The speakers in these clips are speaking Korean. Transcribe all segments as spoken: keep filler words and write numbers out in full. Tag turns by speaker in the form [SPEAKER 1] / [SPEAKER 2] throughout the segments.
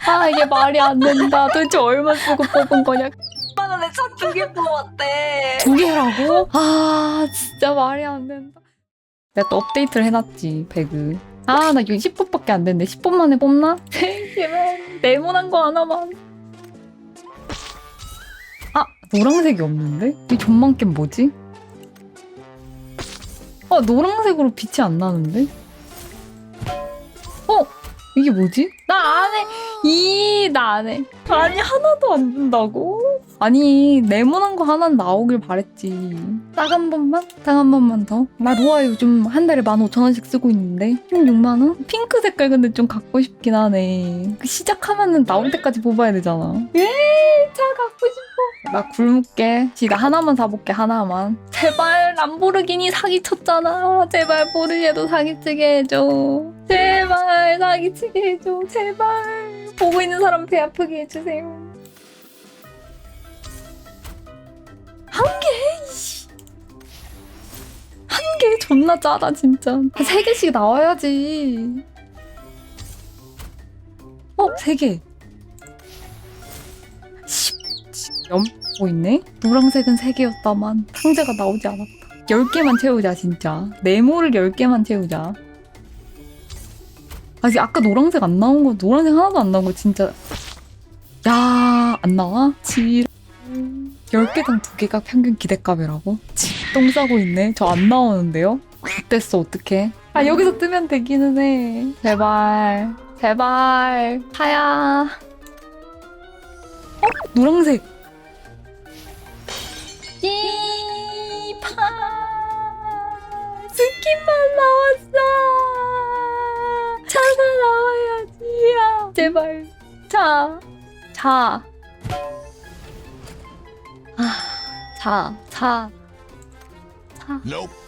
[SPEAKER 1] 아 이게 말이 안 된다. 도대체 얼마 쓰고 뽑은 거냐?
[SPEAKER 2] 만 원에 차 두 개 뽑았대.
[SPEAKER 1] 두 개라고? 아 진짜 말이 안 된다. 내가 또 업데이트를 해놨지 배그. 아 나 이거 십 분밖에 안 됐는데 십 분 만에 뽑나? 제발 네모난 거 하나만. 아 노란색이 없는데? 이 전망겜 뭐지? 아 노란색으로 빛이 안 나는데? 어? 이게 뭐지? 나 안 해! 이, 나 안 해. 아니, 하나도 안 준다고? 아니, 네모난 거 하나 나오길 바랬지. 딱 한 번만? 딱 한 번만 더? 나 로아 요즘 한 달에 만 오천 원씩 쓰고 있는데. 십육만 원? 핑크 색깔 근데 좀 갖고 싶긴 하네. 그 시작하면은 나올 때까지 뽑아야 되잖아. 에이, 차 갖고 싶어. 나 굶을게. 지 나 하나만 사볼게, 하나만. 제발, 람보르기니 사기쳤잖아. 제발, 포르쉐도 사기치게 해줘. 제발, 사기치게 해줘. 제발. 보고 있는 사람 배 아프게 해주세요. 한 개? 이씨. 한 개? 존나 짜다, 진짜. 세 개씩 나와야지. 어, 세 개. 염고 있네? 노란색은 세 개였다만 상자가 나오지 않았다. 열 개만 채우자 진짜. 네모를 열 개만 채우자. 아직 아까 노란색 안 나온 거 노란색 하나도 안 나온 거 진짜. 야, 안 나와? 지 열 개당 두 개가 평균 기대값이라고? 똥 싸고 있네. 저 안 나오는데요? X됐어 어떡해. 아 여기서 뜨면 되기는 해. 제발 제발 하야. 어? 노란색. 이파 스킨만 나왔어. 차가 나와야지야. 제발 차. 차. 아, 차. 차. 차.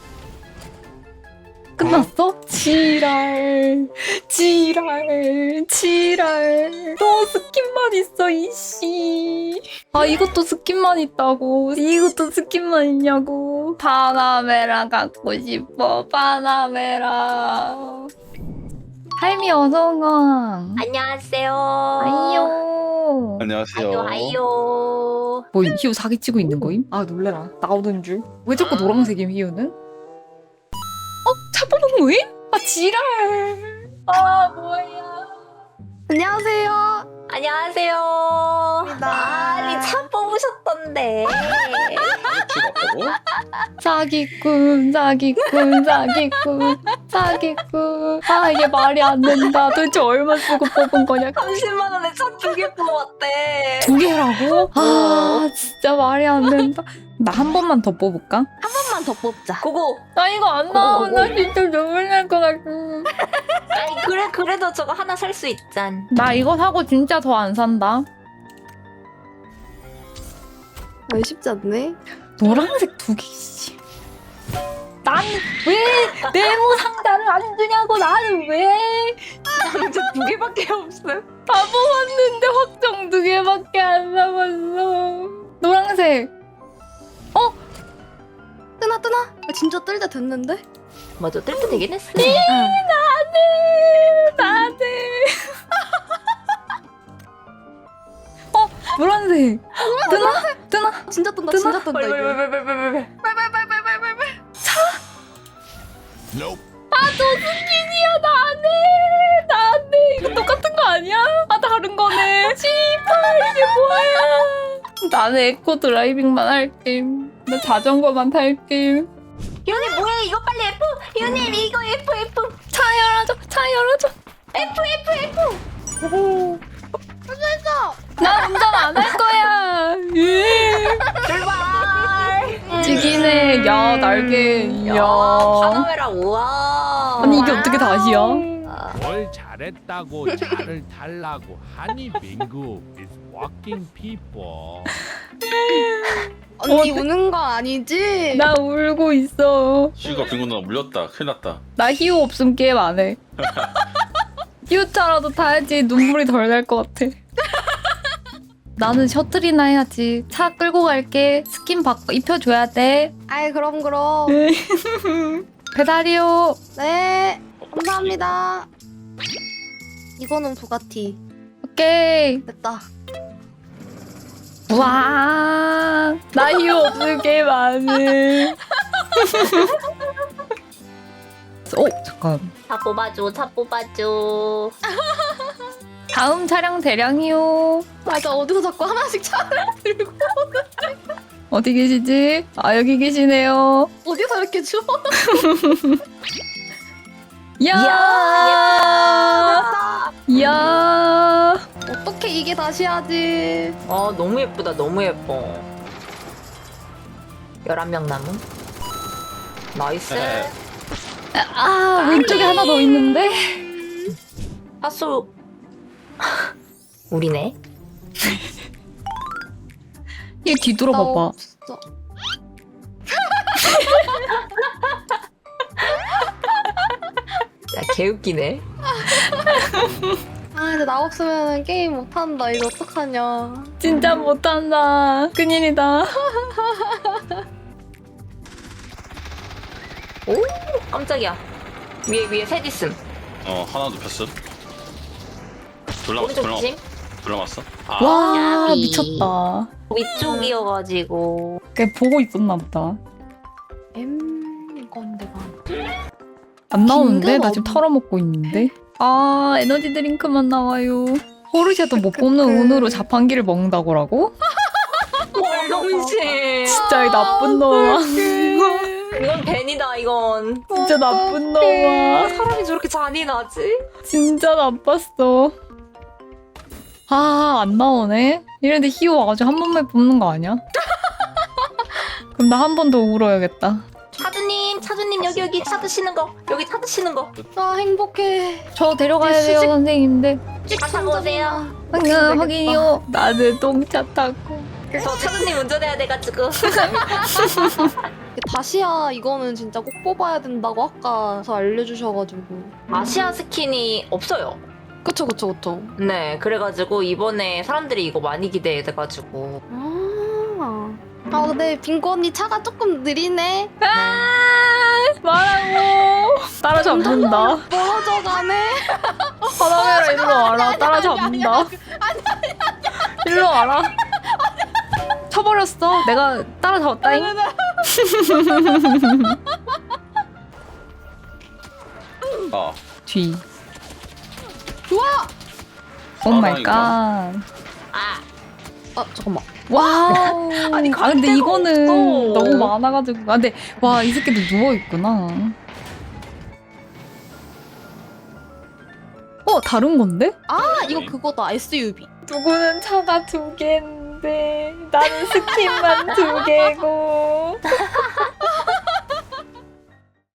[SPEAKER 1] 끝났어? 지랄. 지랄. 지랄. 또 스킨만 있어, 이씨. 아, 이것도 스킨만 있다고. 이것도 스킨만 있냐고. 파나메라 갖고 싶어, 파나메라. 할미 어서와.
[SPEAKER 2] 안녕하세요.
[SPEAKER 1] 아이요.
[SPEAKER 3] 안녕하세요.
[SPEAKER 2] 아이요, 아이요.
[SPEAKER 1] 뭐, 희우 사기치고 있는 거임? 아, 놀래라. 나오던 줄. 왜 자꾸 노란색임, 희우는? 어? 차 뽑은 거임? 아, 지랄. 아, 뭐야.
[SPEAKER 4] 안녕하세요.
[SPEAKER 2] 안녕하세요. 아니, 차 뽑으셨던데.
[SPEAKER 3] 찍었고
[SPEAKER 1] 사기꾼, 사기꾼, 사기꾼, 사기꾼. 아, 이게 말이 안 된다. 도대체 얼마 쓰고 뽑은 거냐?
[SPEAKER 2] 삼십만 원에 차 두 개 뽑았대.
[SPEAKER 1] 두 개라고? 아, 진짜 말이 안 된다. 나 한 번만 더 뽑을까?
[SPEAKER 4] 한 번만 더 뽑자.
[SPEAKER 2] 그거.
[SPEAKER 1] 나 이거 안 나오나 진짜 눈물 날 것 같아.
[SPEAKER 2] 아니, 그래, 그래도 저거 하나 살 수 있잖.
[SPEAKER 1] 나 이거 사고 진짜 더 안 산다.
[SPEAKER 4] 아, 쉽지 않네.
[SPEAKER 1] 노란색 두 개씩. 난 왜 네모 상자를 안 주냐고. 나는 왜?
[SPEAKER 2] 남자 두 개밖에 없어요.
[SPEAKER 1] 다 뽑았는데 확정 두 개밖에 안 남았어. 노란색. 어?
[SPEAKER 4] 뜨나 뜨나? 아, 진짜 뜰 때 됐는데?
[SPEAKER 2] 맞아, 뜰 때 되긴 했어.
[SPEAKER 1] 나네. 나네. 어? 노란색. 뜨나? 뜨나?
[SPEAKER 4] 진짜 뜬다.
[SPEAKER 1] 뜨나?
[SPEAKER 4] 진짜 뜬다. 이거.
[SPEAKER 2] 빨빨빨빨빨빨빨.
[SPEAKER 1] 아, 저 스킨이야. 나네. 나네. 이거 똑같은 거 아니야? 아, 다른 거네. 씨발, 이게 뭐야. 나는 에코 드라이빙만 할게. 나 자전거만 탈게.
[SPEAKER 2] 유님 뭐해? 이거 빨리 F. 유님 이거 F F.
[SPEAKER 1] 차 열어줘. 차 열어줘.
[SPEAKER 2] F F F.
[SPEAKER 1] 나 운전 안 할 거야. 예.
[SPEAKER 2] 출발.
[SPEAKER 1] 찌기네. 야, 날개.
[SPEAKER 2] 야,
[SPEAKER 1] 야.
[SPEAKER 2] 파나메라 우와.
[SPEAKER 1] 아니, 이게 어떻게 다시야?
[SPEAKER 5] 뭘 잘했다고 차를 달라고 하니 민구 is walking people.
[SPEAKER 4] 언니 우는 거 아니지?
[SPEAKER 1] 나 울고 있어.
[SPEAKER 3] 시우가 빙고 누나 물렸다. 큰일 났다.
[SPEAKER 1] 나 희우 없음 게임 안 해. 희우차라도 타야지 눈물이 덜 날 것 같아. 나는 셔틀이나 해야지. 차 끌고 갈게. 스킨 바꿔 입혀줘야 돼.
[SPEAKER 4] 아이 그럼 그럼.
[SPEAKER 1] 배달이요.
[SPEAKER 4] 네. 감사합니다. 이거는 부가티.
[SPEAKER 1] 오케이.
[SPEAKER 4] 됐다.
[SPEAKER 1] 와, 나 이유 없을게 많은. 오, 잠깐.
[SPEAKER 2] 차 뽑아줘 차 뽑아줘.
[SPEAKER 1] 다음 차량 대량이요.
[SPEAKER 4] 맞아, 어디서 자꾸 하나씩 차를 들고.
[SPEAKER 1] 어디 계시지? 아, 여기 계시네요.
[SPEAKER 4] 어디서 이렇게 줘?
[SPEAKER 1] 이야,
[SPEAKER 2] 예쁘다.
[SPEAKER 1] 이야.
[SPEAKER 4] 어떻게 이게 다시 하지?
[SPEAKER 2] 어 너무 예쁘다 너무 예뻐. 열한 명 남은. 나이스.
[SPEAKER 3] 네.
[SPEAKER 1] 아, 왼쪽에 하나 더 있는데?
[SPEAKER 2] 하수. 우리네.
[SPEAKER 1] 얘 뒤돌아봐봐.
[SPEAKER 4] 나 없어.
[SPEAKER 2] 야 개웃기네.
[SPEAKER 4] 아, 근데 나 없으면 게임 못한다. 이거 어떡하냐.
[SPEAKER 1] 진짜 못한다. 큰일이다.
[SPEAKER 2] 오 깜짝이야. 위에 위에 셋 있음.
[SPEAKER 3] 어 하나 눕혔어. 둘 남았어.
[SPEAKER 2] 오른쪽
[SPEAKER 3] 둘 남았어.
[SPEAKER 2] 조심.
[SPEAKER 3] 둘 남았어. 아,
[SPEAKER 1] 와,
[SPEAKER 2] 야비.
[SPEAKER 1] 미쳤다.
[SPEAKER 2] 위쪽이어가지고.
[SPEAKER 1] 걔 보고 있었나 보다.
[SPEAKER 4] M 건데가.
[SPEAKER 1] 안 나오는데?
[SPEAKER 4] 긴급
[SPEAKER 1] 나 지금
[SPEAKER 4] 없-
[SPEAKER 1] 털어먹고 있는데? 아, 에너지 드링크만 나와요. 포르쉐도 못 뽑는 운으로 자판기를 먹는다고라고?
[SPEAKER 2] 명신.
[SPEAKER 1] 진짜 이 나쁜 놈아.
[SPEAKER 2] 이건 벤이다 이건.
[SPEAKER 1] 진짜 나쁜 놈아.
[SPEAKER 2] 사람이 저렇게 잔인하지?
[SPEAKER 1] 진짜 나빴어. 아, 안 나오네? 이런데 희호 와가지고 한 번만 뽑는 거 아니야? 그럼 나 한 번 더 울어야겠다.
[SPEAKER 2] 차주님 차주님 여기 여기 차 드시는 거 여기 차 드시는 거.
[SPEAKER 4] 아, 행복해.
[SPEAKER 1] 저 데려가야 돼요,
[SPEAKER 4] 수직-
[SPEAKER 1] 선생님인데.
[SPEAKER 2] 차 타고 오세요.
[SPEAKER 1] 확인, 확인이요. 나는 똥차 타고.
[SPEAKER 2] 저 차주님 운전해야 돼가지고.
[SPEAKER 4] 다시야 이거는 진짜 꼭 뽑아야 된다고 아까서 알려주셔가지고.
[SPEAKER 2] 아시아 스킨이 없어요.
[SPEAKER 4] 그쵸, 그쵸, 그쵸.
[SPEAKER 2] 네 그래가지고 이번에 사람들이 이거 많이 기대돼가지고.
[SPEAKER 4] 아, 아 근데 빙고 언니 차가 조금 느리네.
[SPEAKER 1] 아, 말하고. 따라잡는다.
[SPEAKER 4] 멀어져가네.
[SPEAKER 1] 바다메라 일로 와라. 따라잡는다. 일로 와라. 쳐버렸어. 내가 따라잡았다잉.
[SPEAKER 3] 아.
[SPEAKER 1] 뒤.
[SPEAKER 4] 좋아.
[SPEAKER 1] 오 마이
[SPEAKER 3] 사망이구나.
[SPEAKER 1] 갓.
[SPEAKER 2] 아
[SPEAKER 4] 아, 잠깐만.
[SPEAKER 1] 와우.
[SPEAKER 2] 아니,
[SPEAKER 1] 아 근데
[SPEAKER 2] 데가
[SPEAKER 1] 이거는
[SPEAKER 2] 없어.
[SPEAKER 1] 너무 많아가지고. 아 근데 와 이 새끼들 누워 있구나. 어 다른 건데?
[SPEAKER 4] 아, 이거 그거다. 에스유브이.
[SPEAKER 1] 누구는 차가 두 개인데 나는 스킨만 두 개고.